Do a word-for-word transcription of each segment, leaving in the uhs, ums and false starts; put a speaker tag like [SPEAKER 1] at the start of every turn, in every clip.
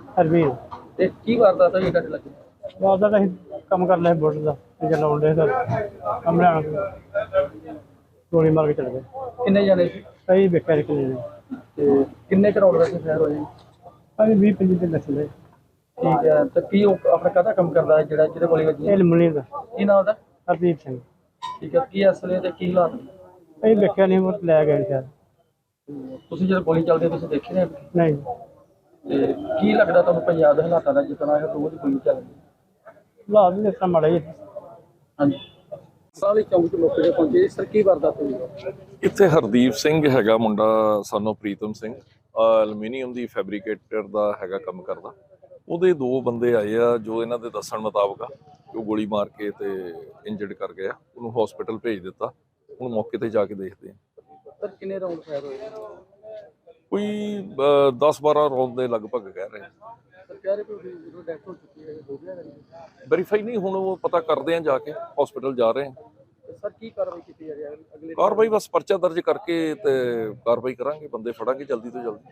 [SPEAKER 1] ਹਰਵੀਰ
[SPEAKER 2] ਤੇ ਕੀ ਵਾਰਦਾਤ ਹੋਈ ਤੁਹਾਡੇ ਲੱਗੇ?
[SPEAKER 1] ਉਹਦਾ ਤਾਂ ਅਸੀਂ ਕੰਮ ਕਰ ਲਿਆ ਬੁੱਟ ਦਾ ਤੇ ਚਲਾਉਣ ਦੇ ਸਰ ਕੰਮ ਲੈਣਾ ਗੋਲੀ ਮਾਰ ਕੇ ਚਲੇ ਗਏ।
[SPEAKER 2] ਕਿੰਨੇ ਜਾਣੇ ਸੀ
[SPEAKER 1] ਸਹੀ ਵੇਖਿਆ ਇੱਕ ਨੇ
[SPEAKER 2] ਤੇ ਕਿੰਨੇ ਕਰੋੜ ਦਾ ਫੈਰ ਹੋਏ?
[SPEAKER 1] ਅਸੀਂ ਵੀਹ ਪੰਜੀ ਤੇ ਨਸਲੇ
[SPEAKER 2] ਠੀਕ ਹੈ, ਤੇ ਕੀ ਉਹ ਆਪਣਾ ਕਾਹਦਾ ਕੰਮ ਕਰਦਾ ਹੈ ਜਿਹੜਾ ਜਿਹਦੇ ਗੋਲੀ ਵੱਜੀ?
[SPEAKER 1] ਇਹ ਲਮਣੀ ਦਾ
[SPEAKER 2] ਕੀ ਨਾਮ ਉਹਦਾ?
[SPEAKER 1] ਹਰਦੀਪ ਸਿੰਘ।
[SPEAKER 2] ਠੀਕ ਹੈ, ਕੀ ਅਸਲੇ ਤੇ ਕੀ ਹਾਲਾਤ?
[SPEAKER 1] ਅਸੀਂ ਵੇਖਿਆ ਨਹੀਂ ਉਹ ਲੈ ਗਏ ਸ਼ਾਇਦ।
[SPEAKER 2] ਤੁਸੀਂ ਜਦੋਂ ਗੋਲੀ ਚੱਲਦੀ ਤੁਸੀਂ ਦੇਖੇ ਨੇ?
[SPEAKER 1] ਨਹੀਂ
[SPEAKER 2] ਤੇ ਕੀ ਲੱਗਦਾ ਤੁਹਾਨੂੰ ਪੰਜਾਬ ਦੇ ਹਾਲਾਤਾਂ ਦਾ, ਜਿਸ ਤਰ੍ਹਾਂ ਇਹ ਰੋਜ਼ ਗੋਲੀ ਚੱਲਦੀ?
[SPEAKER 1] ਹਾਲਾਤ ਵੀ ਇਸ ਤਰ੍ਹਾਂ ਮਾੜਾ ਹੀ।
[SPEAKER 2] ਹਾਂਜੀ, ਸਾਲੇ ਚੌਂਕ ਚ ਮੌਕੇ ਤੇ ਪਹੁੰਚੇ ਸਰ, ਕੀ ਵਾਰਦਾਤ ਹੋਈ?
[SPEAKER 3] ਇੱਥੇ ਹਰਦੀਪ ਸਿੰਘ ਹੈਗਾ ਮੁੰਡਾ, ਸਾਨੂੰ ਪ੍ਰੀਤਮ ਸਿੰਘ, ਐਲੂਮੀਨੀਅਮ ਦੀ ਫੈਬਰੀਕੇਟਰ ਦਾ ਹੈਗਾ ਕੰਮ ਕਰਦਾ। ਉਹਦੇ ਦੋ ਬੰਦੇ ਆਏ ਆ ਜੋ ਇਹਨਾਂ ਦੇ ਦੱਸਣ ਮੁਤਾਬਕ ਆ ਉਹ ਗੋਲੀ ਮਾਰ ਕੇ ਤੇ ਇੰਜਰਡ ਕਰ ਗਿਆ। ਉਹਨੂੰ ਹਸਪੀਟਲ ਭੇਜ ਦਿੱਤਾ। ਹੁਣ ਮੌਕੇ ਤੇ ਜਾ ਕੇ ਦੇਖਦੇ ਆ।
[SPEAKER 2] ਸਰ ਕਿੰਨੇ ਰਾਉਂਡ ਫਾਇਰ ਹੋਏ?
[SPEAKER 3] ਕੋਈ ਦਸ ਬਾਰਾਂ ਰੌਂਦ ਦੇ ਲਗਭਗ ਕਹਿ ਰਹੇ।
[SPEAKER 2] ਸਰ ਕਹਿ ਰਹੇ ਕਿ ਜਦੋਂ ਡੈਥ ਹੋ ਚੁੱਕੀ ਹੈ, ਹੋ ਗਿਆ
[SPEAKER 3] ਵੈਰੀਫਾਈ ਨਹੀਂ, ਹੁਣ ਉਹ ਪਤਾ ਕਰਦੇ ਆ ਜਾ ਕੇ, ਹਸਪੀਟਲ ਜਾ ਰਹੇ ਆ।
[SPEAKER 2] ਸਰ ਕੀ ਕਾਰਵਾਈ ਕੀਤੀ ਜਾ ਰਹੀ ਹੈ ਅਗਲੇ?
[SPEAKER 3] ਕਾਰਵਾਈ ਬਸ ਪਰਚਾ ਦਰਜ ਕਰਕੇ ਤੇ ਕਾਰਵਾਈ ਕਰਾਂਗੇ, ਬੰਦੇ ਫੜਾਂਗੇ ਜਲਦੀ ਤੋਂ ਜਲਦੀ।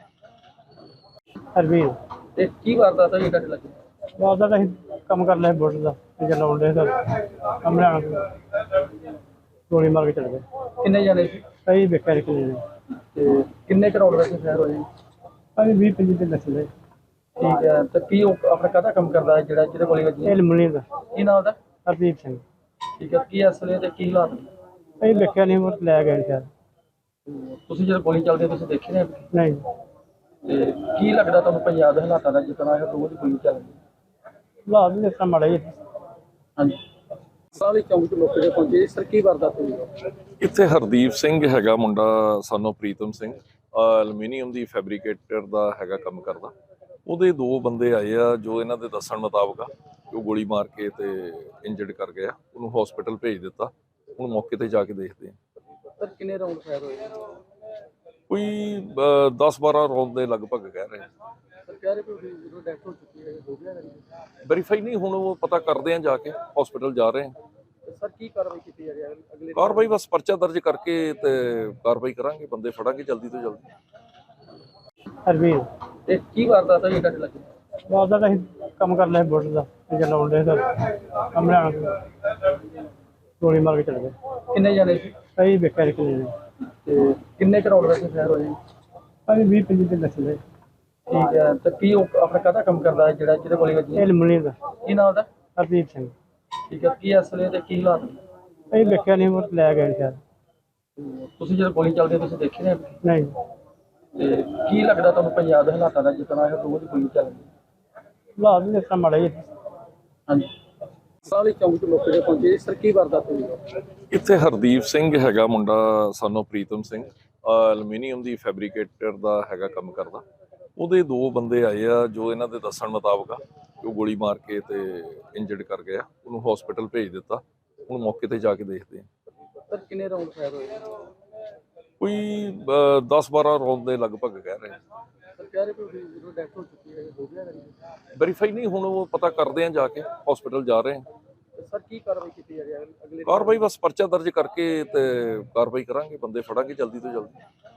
[SPEAKER 1] ਹਰਵੀਰ
[SPEAKER 2] ਤੇ ਕੀ ਵਾਰਦਾਤ ਹੋਈ ਤੁਹਾਡੇ ਲੱਗੇ?
[SPEAKER 1] ਉਹਦਾ ਤਾਂ ਅਸੀਂ ਕੰਮ ਕਰ ਲਿਆ ਬੁੱਟ ਦਾ ਤੇ ਚਲਾਉਣ ਦੇ ਸਰ ਕੰਮ ਲੈਣਾ ਗੋਲੀ ਮਾਰ ਕੇ ਚਲੇ ਗਏ।
[SPEAKER 2] ਕਿੰਨੇ ਜਾਣੇ ਸੀ
[SPEAKER 1] ਸਹੀ ਵੇਖਿਆ ਇੱਕ ਨੇ
[SPEAKER 2] ਤੇ ਕਿੰਨੇ ਕਰੋੜ ਦਾ ਫੈਰ ਹੋਏ?
[SPEAKER 1] ਅਸੀਂ ਵੀਹ ਪੰਜੀ ਤੇ ਨਸਲੇ
[SPEAKER 2] ਠੀਕ ਹੈ, ਤੇ ਕੀ ਉਹ ਆਪਣਾ ਕਾਹਦਾ ਕੰਮ ਕਰਦਾ ਹੈ ਜਿਹੜਾ ਜਿਹਦੇ ਗੋਲੀ ਵੱਜੀ?
[SPEAKER 1] ਇਹ ਲਮਣੀ ਦਾ
[SPEAKER 2] ਕੀ ਨਾਮ ਉਹਦਾ?
[SPEAKER 1] ਹਰਦੀਪ ਸਿੰਘ।
[SPEAKER 2] ਠੀਕ ਹੈ, ਕੀ ਅਸਲੇ ਤੇ ਕੀ ਹਾਲਾਤ?
[SPEAKER 1] ਅਸੀਂ ਵੇਖਿਆ ਨਹੀਂ ਉਹ ਲੈ ਗਏ ਸ਼ਾਇਦ।
[SPEAKER 2] ਤੁਸੀਂ ਜਦੋਂ ਗੋਲੀ ਚੱਲਦੀ ਤੁਸੀਂ ਦੇਖੇ ਨੇ?
[SPEAKER 1] ਨਹੀਂ
[SPEAKER 2] ਤੇ ਕੀ ਲੱਗਦਾ ਤੁਹਾਨੂੰ ਪੰਜਾਬ ਦੇ ਹਾਲਾਤਾਂ ਦਾ, ਜਿਸ ਤਰ੍ਹਾਂ ਇਹ ਰੋਜ਼ ਗੋਲੀ ਚੱਲਦੀ?
[SPEAKER 1] ਹਾਲਾਤ ਵੀ ਇਸ ਤਰ੍ਹਾਂ ਮਾੜਾ ਹੀ।
[SPEAKER 2] ਹਾਂਜੀ, ਸਾਲੇ ਚੌਂਕ ਚ ਮੌਕੇ ਤੇ ਪਹੁੰਚੇ ਸਰ, ਕੀ ਵਾਰਦਾਤ ਹੋਈ?
[SPEAKER 3] ਇੱਥੇ ਹਰਦੀਪ ਸਿੰਘ ਹੈਗਾ ਮੁੰਡਾ, ਸਾਨੂੰ ਪ੍ਰੀਤਮ ਸਿੰਘ, ਐਲੂਮੀਨੀਅਮ ਦੀ ਫੈਬਰੀਕੇਟਰ ਦਾ ਹੈਗਾ ਕੰਮ ਕਰਦਾ। ਉਹਦੇ ਦੋ ਬੰਦੇ ਆਏ ਆ ਜੋ ਇਹਨਾਂ ਦੇ ਦੱਸਣ ਮੁਤਾਬਕ ਆ ਉਹ ਗੋਲੀ ਮਾਰ ਕੇ ਤੇ ਇੰਜਰਡ ਕਰ ਗਿਆ। ਉਹਨੂੰ ਹਸਪੀਟਲ ਭੇਜ ਦਿੱਤਾ। ਹੁਣ ਮੌਕੇ ਤੇ ਜਾ ਕੇ ਦੇਖਦੇ ਆ।
[SPEAKER 2] ਸਰ ਕਿੰਨੇ ਰਾਉਂਡ ਫਾਇਰ ਹੋਏ?
[SPEAKER 3] ਕੋਈ ਦਸ ਬਾਰਾਂ ਰੌਂਦ ਦੇ ਲਗਭਗ ਕਹਿ ਰਹੇ।
[SPEAKER 2] ਸਰ ਕਹਿ ਰਹੇ ਕਿ ਜਦੋਂ ਡੈਥ ਹੋ ਚੁੱਕੀ ਹੈ, ਹੋ ਗਿਆ
[SPEAKER 3] ਵੈਰੀਫਾਈ ਨਹੀਂ, ਹੁਣ ਉਹ ਪਤਾ ਕਰਦੇ ਆ ਜਾ ਕੇ, ਹਸਪੀਟਲ ਜਾ ਰਹੇ ਆ।
[SPEAKER 2] ਸਰ ਕੀ ਕਾਰਵਾਈ ਕੀਤੀ ਜਾ ਰਹੀ ਹੈ ਅਗਲੇ?
[SPEAKER 3] ਕਾਰਵਾਈ ਬਸ ਪਰਚਾ ਦਰਜ ਕਰਕੇ ਤੇ ਕਾਰਵਾਈ ਕਰਾਂਗੇ, ਬੰਦੇ ਫੜਾਂਗੇ ਜਲਦੀ ਤੋਂ ਜਲਦੀ।
[SPEAKER 1] ਹਰਵੀਰ
[SPEAKER 2] ਤੇ ਕੀ ਵਾਰਦਾਤ ਹੋਈ ਤੁਹਾਡੇ ਲੱਗੇ?
[SPEAKER 1] ਉਹਦਾ ਤਾਂ ਅਸੀਂ ਕੰਮ ਕਰ ਲਿਆ ਬੁੱਟ ਦਾ ਤੇ ਚਲਾਉਣ ਦੇ ਸਰ ਕੰਮ ਲੈਣਾ ਗੋਲੀ ਮਾਰ ਕੇ ਚਲੇ ਗਏ।
[SPEAKER 2] ਕਿੰਨੇ ਜਾਣੇ ਸੀ
[SPEAKER 1] ਸਹੀ ਵੇਖਿਆ ਇੱਕ ਨੇ
[SPEAKER 2] ਤੇ ਕਿੰਨੇ ਕਰੋੜ ਦਾ ਫੈਰ ਹੋਏ?
[SPEAKER 1] ਅਸੀਂ ਵੀਹ ਪੰਜੀ ਤੇ ਨਸਲੇ
[SPEAKER 2] ਠੀਕ ਹੈ, ਤੇ ਕੀ ਉਹ ਆਪਣਾ ਕਾਹਦਾ ਕੰਮ ਕਰਦਾ ਹੈ ਜਿਹੜਾ ਜਿਹਦੇ ਗੋਲੀ ਵੱਜੀ?
[SPEAKER 1] ਇਹ ਲਮਣੀ ਦਾ
[SPEAKER 2] ਕੀ ਨਾਮ ਉਹਦਾ?
[SPEAKER 1] ਹਰਦੀਪ ਸਿੰਘ।
[SPEAKER 2] ਠੀਕ ਹੈ, ਕੀ ਅਸਲੇ ਤੇ ਕੀ ਹਾਲਾਤ?
[SPEAKER 1] ਅਸੀਂ ਵੇਖਿਆ ਨਹੀਂ ਉਹ ਲੈ ਗਏ ਸ਼ਾਇਦ।
[SPEAKER 2] ਤੁਸੀਂ ਜਦੋਂ ਗੋਲੀ ਚੱਲਦੀ ਤੁਸੀਂ ਦੇਖੇ ਨੇ?
[SPEAKER 1] ਨਹੀਂ
[SPEAKER 2] ਤੇ ਕੀ ਲੱਗਦਾ ਤੁਹਾਨੂੰ ਪੰਜਾਬ ਦੇ ਹਾਲਾਤਾਂ ਦਾ, ਜਿਸ ਤਰ੍ਹਾਂ ਇਹ ਰੋਜ਼ ਗੋਲੀ ਚੱਲਦੀ?
[SPEAKER 1] ਹਾਲਾਤ ਵੀ ਇਸ ਤਰ੍ਹਾਂ ਮਾੜਾ ਹੀ।
[SPEAKER 2] ਹਾਂਜੀ, ਸਾਲੇ ਚੌਂਕ ਚ ਮੌਕੇ ਤੇ ਪਹੁੰਚੇ ਸਰ, ਕੀ ਵਾਰਦਾਤ ਹੋਈ?
[SPEAKER 3] ਇੱਥੇ ਹਰਦੀਪ ਸਿੰਘ ਹੈਗਾ ਮੁੰਡਾ, ਸਾਨੂੰ ਪ੍ਰੀਤਮ ਸਿੰਘ, ਐਲੂਮੀਨੀਅਮ ਦੀ ਫੈਬਰੀਕੇਟਰ ਦਾ ਹੈਗਾ ਕੰਮ ਕਰਦਾ। ਉਹਦੇ ਦੋ ਬੰਦੇ ਆਏ ਆ ਜੋ ਇਹਨਾਂ ਦੇ ਦੱਸਣ ਮੁਤਾਬਕ ਆ ਉਹ ਗੋਲੀ ਮਾਰ ਕੇ ਤੇ ਇੰਜਰਡ ਕਰ ਗਿਆ। ਉਹਨੂੰ ਹਸਪੀਟਲ ਭੇਜ ਦਿੱਤਾ। ਹੁਣ ਮੌਕੇ ਤੇ ਜਾ ਕੇ ਦੇਖਦੇ ਆ।
[SPEAKER 2] ਸਰ ਕਿੰਨੇ ਰਾਉਂਡ ਫਾਇਰ ਹੋਏ?
[SPEAKER 3] ਕੋਈ ਦਸ ਬਾਰਾਂ ਰੌਂਦ ਦੇ ਲਗਭਗ ਕਹਿ ਰਹੇ।
[SPEAKER 2] ਸਰ ਕਹਿ ਰਹੇ ਕਿ ਜਦੋਂ ਡੈਥ ਹੋ ਚੁੱਕੀ ਹੈ, ਹੋ ਗਿਆ
[SPEAKER 3] ਵੈਰੀਫਾਈ ਨਹੀਂ, ਹੁਣ ਉਹ ਪਤਾ ਕਰਦੇ ਆ ਜਾ ਕੇ, ਹਸਪੀਟਲ ਜਾ ਰਹੇ ਆ।
[SPEAKER 2] ਸਰ ਕੀ ਕਾਰਵਾਈ ਕੀਤੀ ਜਾ ਰਹੀ ਹੈ ਅਗਲੇ?
[SPEAKER 3] ਕਾਰਵਾਈ ਬਸ ਪਰਚਾ ਦਰਜ ਕਰਕੇ ਤੇ ਕਾਰਵਾਈ ਕਰਾਂਗੇ, ਬੰਦੇ ਫੜਾਂਗੇ ਜਲਦੀ ਤੋਂ ਜਲਦੀ।